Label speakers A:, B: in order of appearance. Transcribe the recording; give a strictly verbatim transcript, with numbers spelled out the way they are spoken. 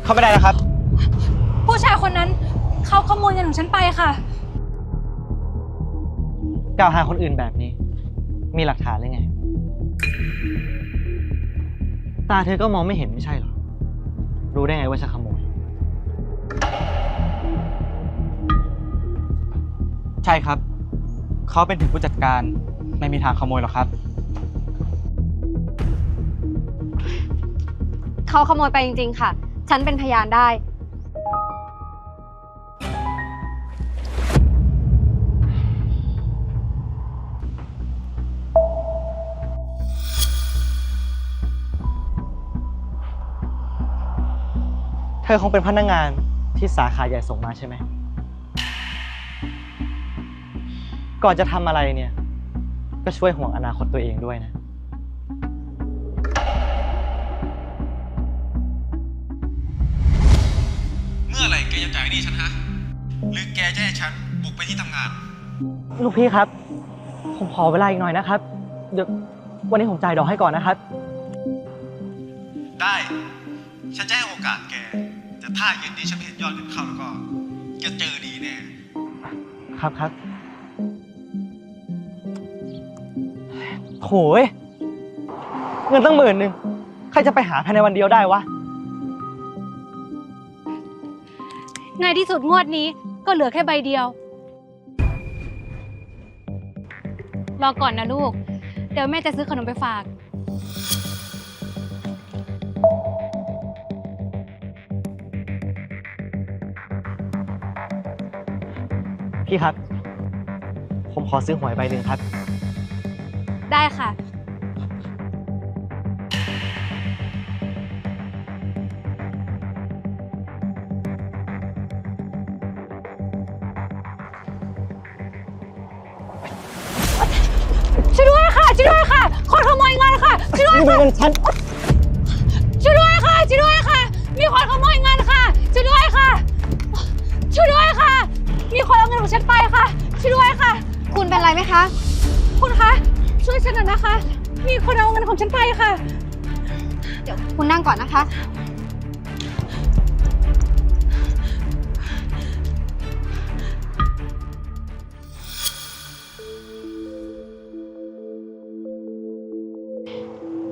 A: เข้าไม่ได้นะครับ
B: ผู้ชายคนนั้นเขาขโมยเงินของฉันไปค่ะ
A: กล่าวหาคนอื่นแบบนี้มีหลักฐานหรือไงตาเธอก็มองไม่เห็นไม่ใช่หรอรู้ได้ไงว่าฉันขโมยใช่ครับเขาเป็นถึงผู้จัดการไม่มีทางขโมยหรอกครับ
C: เขาขโมยไปจริงๆค่ะฉันเป็นพยานได้
A: เธอคงเป็นพนักงานที่สาขาใหญ่ส่งมาใช่ไหมก่อนจะทำอะไรเนี่ยก็ช่วยห่วงอนาคตตัวเองด้วยนะ
D: เมื่อไหร่แกจะจ่ายหนี้ฉันฮะหรือแกจะให้ฉันบุกไปที่ทำงาน
A: ลูกพี่ครับผมขอเวลาอีกหน่อยนะครับเดี๋ยววันนี้ผมจ่ายดอกให้ก่อนนะครับ
D: ได้ฉันจะให้โอกาสแกแต่ถ้าเย็นนี้ฉันเห็นยอดเงินเข้าแล้วก็แกเจอดีแน่
A: ครับครับโหยเงินตั้งหมื่นหนึ่งใครจะไปหาภายในวันเดียวได้วะ
B: ในที่สุดงวดนี้ก็เหลือแค่ใบเดียวรอก่อนนะลูกเดี๋ยวแม่จะซื้อขนมไปฝาก
A: พี่ครับผมขอซื้อหวยใบหนึ่งครับ
B: ได้ค่ะช่วยด้วยค่ะช่วยด้วยค่ะคนขโมยเงินค่ะช่วยด้วยค่ะ
A: ฉัน
B: ช่วยด้วยค่ะช่วยด้วยค่ะมีคนขโมยเงินค่ะช่วยด้วยค่ะช่วยด้วยค่ะมีคนเอาเงินของฉันไปค่ะช่วยด้วยค่ะ
C: คุณเป็นไรไหมคะ
B: คุณคะช่วยฉันหน่อยนะคะมีคนเอาเงินของฉันไปค่ะ
C: เดี๋ยวคุณนั่งก่อนนะคะ